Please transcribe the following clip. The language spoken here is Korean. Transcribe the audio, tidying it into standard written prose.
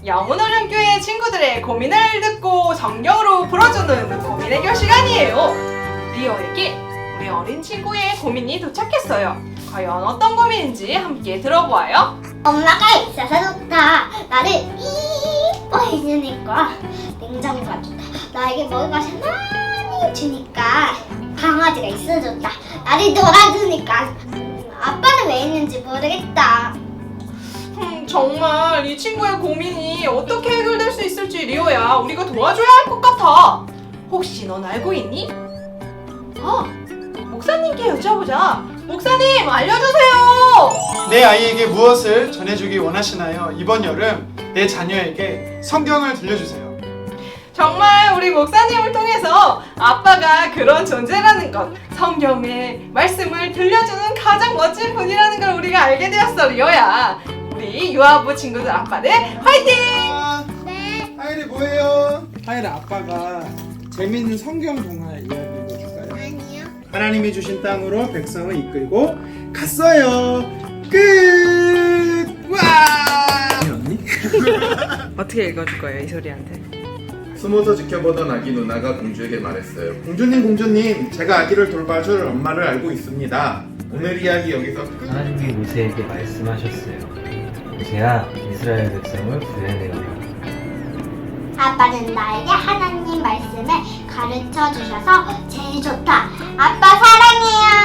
영훈어른교회 친구들의 고민을 듣고 성경으로 풀어주는 고민 해결 시간이에요. 리오에게 우리 어린 친구의 고민이 도착했어요. 과연 어떤 고민인지 함께 들어보아요. 엄마가 있어서 좋다. 나를 이뻐해주니까 냉장고가 좋다. 나에게 먹을 것을 많이 주니까 강아지가 있어 좋다. 나를 놀아주니까 아빠는 왜 있는지 모르겠다. 정말 이 친구의 고민이 어떻게 해결될 수 있을지 리오야 우리가 도와줘야 할 것 같아. 혹시 넌 알고 있니? 목사님께 여쭤보자. 목사님 알려주세요. 내 아이에게 무엇을 전해주기 원하시나요? 이번 여름 내 자녀에게 성경을 들려주세요. 정말 우리 목사님을 통해서 아빠가 그런 존재라는 것, 성경의 말씀을 들려주는 가장 멋진 분이라는 걸 우리가 알게 되었어 리오야. 우리 유아부 친구들 아빠들 화이팅! 네. 하율이 뭐예요? 하율아, 아빠가 재미있는 성경 동화 이야기 읽어줄까요? 아니요. 하나님이 주신 땅으로 백성을 이끌고 갔어요. 끝! 와! 언니? 어떻게 읽어줄 거예요 이소리한테? 숨어서 지켜보던 아기 누나가 공주에게 말했어요. 공주님, 제가 아기를 돌봐줄 엄마를 알고 있습니다. 오늘 이야기 여기서 끝. 하나님이 모세에게 말씀하셨어요. 모세야, 이스라엘 백성을 구해내어라. 아빠는 나에게 하나님 말씀을 가르쳐 주셔서 제일 좋다. 아빠 사랑해요.